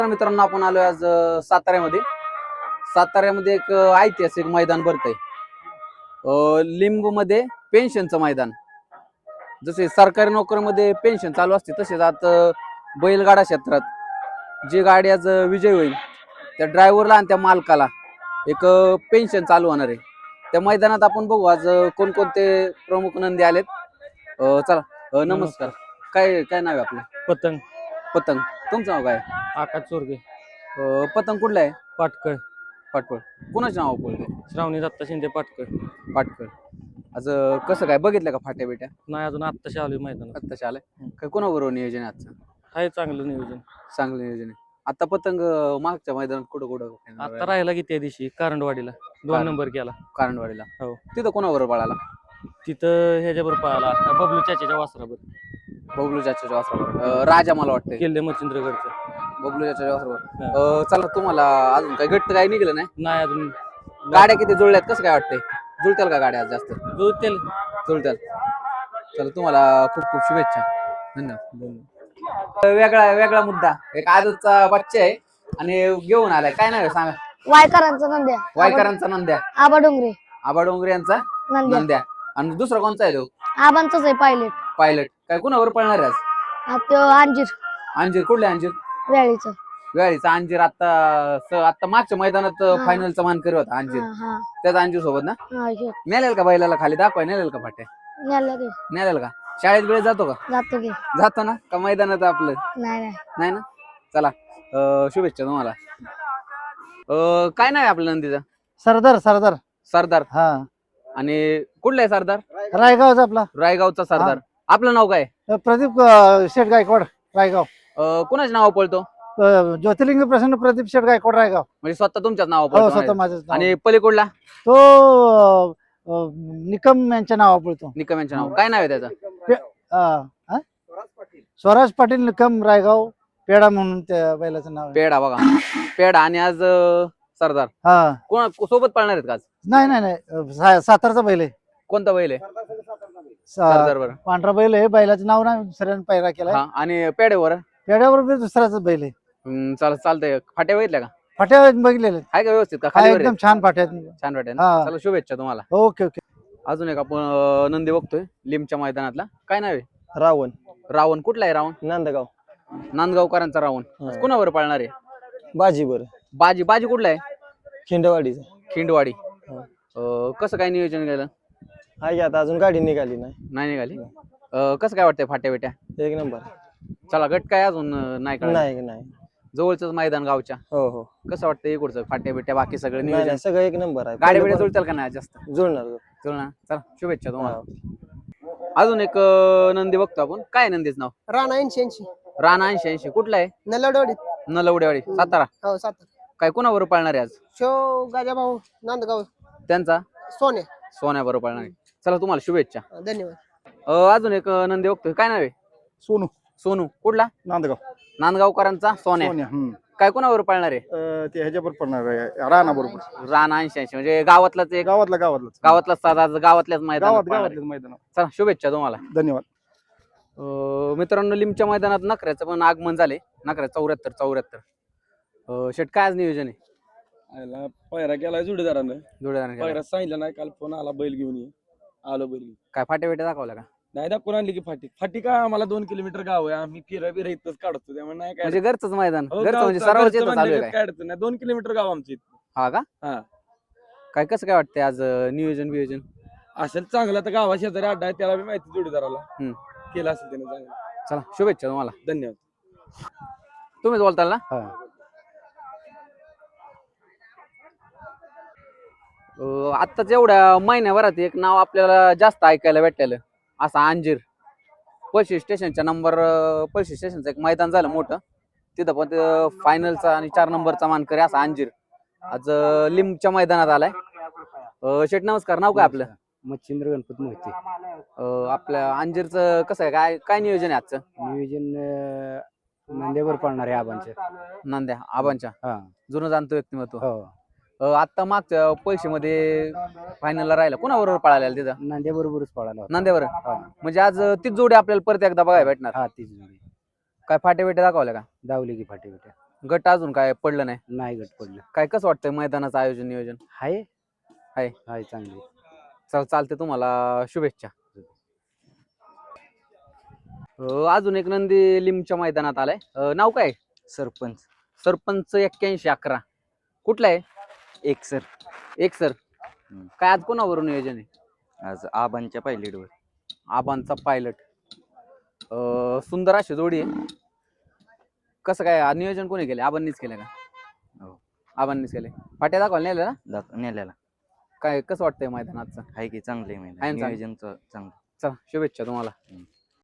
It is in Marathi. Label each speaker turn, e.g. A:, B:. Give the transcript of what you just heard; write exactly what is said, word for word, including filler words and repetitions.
A: मित्रांनो आपण आलोय आज अ, साताऱ्यामध्ये साताऱ्यामध्ये एक अ, ऐतिहासिक मैदान भरतंय लिंब मध्ये पेन्शनचं मैदान. जसे सरकारी नोकरीमध्ये पेन्शन चालू असते तसेच आता बैलगाडा क्षेत्रात जी गाडी आज विजय होईल त्या ड्रायव्हरला आणि त्या मालकाला एक पेन्शन चालू होणार आहे. त्या मैदानात आपण बघू आज कोणकोणते प्रमुख नंदी आलेत. अ, चला अ, नमस्कार. काय काय नाव आहे आपलं?
B: पतंग.
A: पतंग. तुमचं नाव काय?
B: आकाश चोरगे.
A: अ, पतंग कुठला आहे?
B: पाटकळ.
A: पाटकळ. कोणाचं नाव बोलतोय?
B: श्रावणी दत्ता शिंदे पाटकळ.
A: पाटकळ. आज अ, कसं काय बघितलं का फाट्या बिट्या?
B: नाही अजून आत्ताशी आलोय मैदानात.
A: आत्ताशी आलाय. काय कोणाबरोबर नियोजन आहे आजचं?
B: आहे चांगलं नियोजन.
A: चांगलं नियोजन आहे. आता पतंग अ, मागच्या मैदानात कुठं कुठं
B: आता राहिला की त्या दिवशी कारंडवाडीला दोन
A: कारंड-
B: नंबर केला.
A: कारंडवाडीला.
B: हो.
A: तिथं कोणाबरोबर पळाला?
B: तिथं ह्याच्याबरोबर पळाला बबलू चाच्याच्या वासराबर.
A: बबलू चाच्याच्या वासराबरोबर. राजा मला वाटतंय.
B: किल्ले मच्छिंद्रगडचं.
A: बबलू चाच्याच्या वासराबरोबर.
B: हा.
A: अ, चला तुम्हाला अजून काय घट्ट काय निघलं नाही?
B: नाही अजून
A: गाड्या किती जुळल्यात कसं काय वाटतंय? जुळत्याल का गाड्या आज जास्त?
B: जुळतील.
A: जुळत्याल. चला तुम्हाला खूप खूप शुभेच्छा. धन्यवाद. वेगळा वेगळा मुद्दा. एक आजचा बच्चा आहे आणि घेऊन आलाय. काय नाव आहे सांगा?
C: वायकरांचा नंद्या.
A: वायकरांचा नंद्या.
C: आबा डोंगरे.
A: आबा डोंगरे यांचा
C: नंद्या.
A: नंद्या. आणि दुसरा कोणता आहे तो?
C: आबांचाच आहे पायलट.
A: पायलट. काय कुणावर पळणार आहे आज?
C: हा तो अंजीर
A: अंजीर. कुठले अंजीर?
C: वेळीचं.
A: वेळीचा अंजीर. आता स- आता मागच्या मैदानात
C: हा.
A: फायनलचा मानकरी होता अंजीर.
C: हा हा
A: त्याच अंजीर सोबत ना?
C: हा हे.
A: नेलेल का बैलाला खाली दाखवाय? नेलेल का फाट्या?
C: नेलं की.
A: नेलेल का? शाळेत वेळेत जातो का?
C: जातो की.
A: जातो ना का मैदानात आपलं?
C: नाही नाही
A: नाही ना. चला अ, शुभेच्छा तुम्हाला. अ, काय नाही आपलं नंदीचा?
D: सरदार सरदार
A: सरदार.
D: हा
A: आणि कुठला आहे सरदार?
D: रायगावचा आपला
A: रायगावचा सरदार. आपलं नाव काय?
D: प्रदीप अं, शेठ गायकवाड रायगाव.
A: अ, कुणाचं नाव पळतो?
D: अं, ज्योतिर्लिंग प्रसन्न प्रदीप शेठ गायकवाड रायगाव.
A: म्हणजे स्वतः तुमच्याच नाव
D: हो
A: पळतो
D: स्वतः
A: म्हणायचं.
D: माझंच नाव.
A: आणि पलीकडला
D: तो अं, अं, निकम यांच्या नावा पडतो.
A: निकम यांचं नाव काय नाव आहे त्याचं?
D: अं, हा? स्वराज पाटील निकम रायगाव पेडा म्हणून त्या बैलाचं नाव आहे.
A: पेडा. बघा पेडा. आणि आज अ, सरदार
D: हा
A: कोणा सोबत पळणार आहेत का आज?
D: नाही नाही नाही अं, सा- सातारचा बैल आहे.
A: कोणता बैल आहे?
D: सा-
A: सरदार. बरं.
D: पांढरा बैल आहे. बैलाचं नाव नाही दुसऱ्याने पैरा केलाय.
A: हा. आणि पेड्यावर
D: पेड्याबरोबर दुसऱ्याच बैल आहे.
A: हम्म, चाल चालतंय. फाट्या बघितल्या का?
D: फाट्या बघितलेले
A: आहे का व्यवस्थित का?
D: हा
A: खाली वर
D: एकदम
A: आहे?
D: छान फाट्या.
A: छान फाट्या ना?
D: हा.
A: चला शुभेच्छा तुम्हाला.
D: Okay okay.
A: अजून एक आपण अ, नंदी बघतोय लिमच्या मैदानातला. काय नाव आहे?
B: रावण.
A: रावण. कुठला आहे रावण?
B: नांदगाव.
A: नांदगावकरांचा रावण.
B: हा.
A: कुणावर पळणार आहे?
B: बाजीवर.
A: बाजी. बाजी कुठला आहे?
B: खिंडवाडीचा.
A: खिंडवाडी.
B: हा.
A: अ, कसं काय नियोजन केलं?
B: आहे आता अजून गाडी निघाली नाही.
A: नाही निघाली. अ, कसं काय वाटतंय फाट्या बिट्या?
B: एक नंबर.
A: चला गट काय अजून अ, नाही कळलं.
B: नाही नाही.
A: जवळच मैदान गावच्या.
B: हो हो.
A: कसं वाटतं इकडचं फाट्या बिट्या बाकी सगळं
B: नाही
A: नियोजन?
B: नाही सगळं एक नंबर आहे.
A: गाड्या बिड्या जुळतील का नाही जास्त?
B: जुळणार.
A: जुळणार. चला शुभेच्छा तुम्हाला.
B: हा.
A: अजून एक अ, नंदी बघतो आपण. काय आहे नंदीचं नाव?
E: राणा ऐंशी ऐंशी
A: राणा ऐंशी ऐंशी. कुठला आहे?
E: नलवडवाडी.
A: नलवडेवाडी सातारा.
E: हो सातारा.
A: काय कोणाबरोबर पळणार आहे आज?
E: शो गाजा भाऊ नांदगाव
A: त्यांचा
E: सोन्या.
A: सोन्याबरोबर पळणार आहे. चला तुम्हाला शुभेच्छा.
E: धन्यवाद.
A: अ, अजून एक अ, नंदी बघतोय. काय नाव आहे?
D: सोनू
A: सोनू. कुठला?
D: नांदगाव.
A: नांदगावकरांचा सोन्या.
D: सोन्या. हम्म.
A: काय कोणाबरोबर पळणार आहे?
D: अं, ते ह्याच्यावर पडणार आहे राणा बरोबर.
A: राणा ऐंशी ऐंशी म्हणजे गावातलाच एक
D: गावातला गावातला
A: गावातलाच साधा गावातल्याच मैदानात
D: गावात
A: पळणार आहे.
D: गावातल्या मैदान.
A: चला शुभेच्छा तुम्हाला.
D: धन्यवाद.
A: अ, मित्रांनो लिमच्या मैदानात नखऱ्याचं पण आगमन झाले. नखऱ्या चौऱ्याहत्तर चौऱ्याहत्तर. शेट काय आज नियोजन आहे?
F: आयला पायरा केलाय जोडीदारानं.
A: जोडीदाराने केलं.
F: पायरा सांगितलं नाही, काल फोन आला बैल घेऊन ये. आलो बैल घेऊन.
A: काय फाट्या बिट्या दाखवल्या का?
F: नाही दाखवून आणली की फाटी फाटी का आम्हाला दोन किलोमीटर गाव आहे, आम्ही फिरा बिरा इथंच काढतो त्यामुळे नाही काय
A: म्हणजे घरचंच मैदान.
F: हो,
A: घरचं म्हणजे
F: गावचं-
A: सरावच
F: घरचं
A: येतं चालू आहे
F: म्हणलं
A: काय?
F: काय अडचण नाही, दोन किलोमीटर गाव आमचं इथं.
A: हा का?
F: हा.
A: काय कसं काय वाटतंय आज अ, नियोजन बियोजन?
F: असेल चांगला तर गावा शेजारी अड्डा आहे, त्याला बी माहिती जोडीदाराला.
A: हम्म.
F: केला असेल त्याने चांगलं.
A: चला शुभेच्छा तुम्हाला.
F: धन्यवाद.
A: तुम्हीच बोलताल ना? अ, आत्ताच एवढ्या महिन्याभरात एक नाव आपल्याला जास्त ऐकायला भेटलेलं असा अंजीर. पळशी स्टेशनच्या नंबर पळशी स्टेशनचं एक मैदान झालं मोठं. तिथं पण फायनलचा आणि चार नंबरचा मानकरी असा अंजीर आज अ, लिमच्या मैदानात आलाय. अ, शेठ नमस्कार. नाव काय आपलं?
G: मच्छिंद्र गणपत मोहिते.
A: अ, आपल्या अंजीरचं कसं आहे? काय काय नियोजन आहे आजचं?
G: नियोजन अं, नांदेवर पडणार आहे आबांचे.
A: नांद्या आबांच्या
G: हा.
A: जुनं जाणतो व्यक्तिमत्व.
G: हो.
A: अ, आता मागच्या पैशामध्ये फायनलला राहिला कोणाबरोबर पळालेला तिथं?
G: नांद्या बरोबरच पळाला होता.
A: नांद्यावर.
G: हा.
A: म्हणजे आज तीच जोडी आपल्याला परत एकदा बघायला भेटणार.
G: हा तीच जोडी.
A: काय फाटे बिटे दाखवल्या का?
G: दावली की फाटी बिट्या.
A: गट अजून काय पडलं नाही.
G: नाही गट पडलं.
A: काय कसं वाटतंय मैदानाचं आयोजन नियोजन?
G: हाय
A: हाय.
G: हाय चांगली.
A: चल चालते, तुम्हाला शुभेच्छा. अं, अजून एक नंदी लिमच्या मैदानात आलाय. अं, नाव काय?
B: सरपंच
A: सरपंच एक्क्याऐंशी अकरा. कुठला आहे?
B: एक सर
A: एक सर.
B: हम्म.
A: काय आज कोणावरून नियोजन आहे?
B: आज आबांच्या पायलटवर.
A: आबांचा पायलट. सुंदर अशी जोडी आहे. कसं काय आ- नियोजन कोणी केले? आबांनीच केलं का?
B: हो.
A: आबांनीच केले. फाट्या दाखवायला नेलं ना?
B: दाख नेल्याला
A: काय कसं वाटतंय मैदानाचं?
B: आहे की चांगले
A: आहे ना चांगलं?
B: नियोजन चांगलं.
A: चला शुभेच्छा तुम्हाला.
B: हम्म.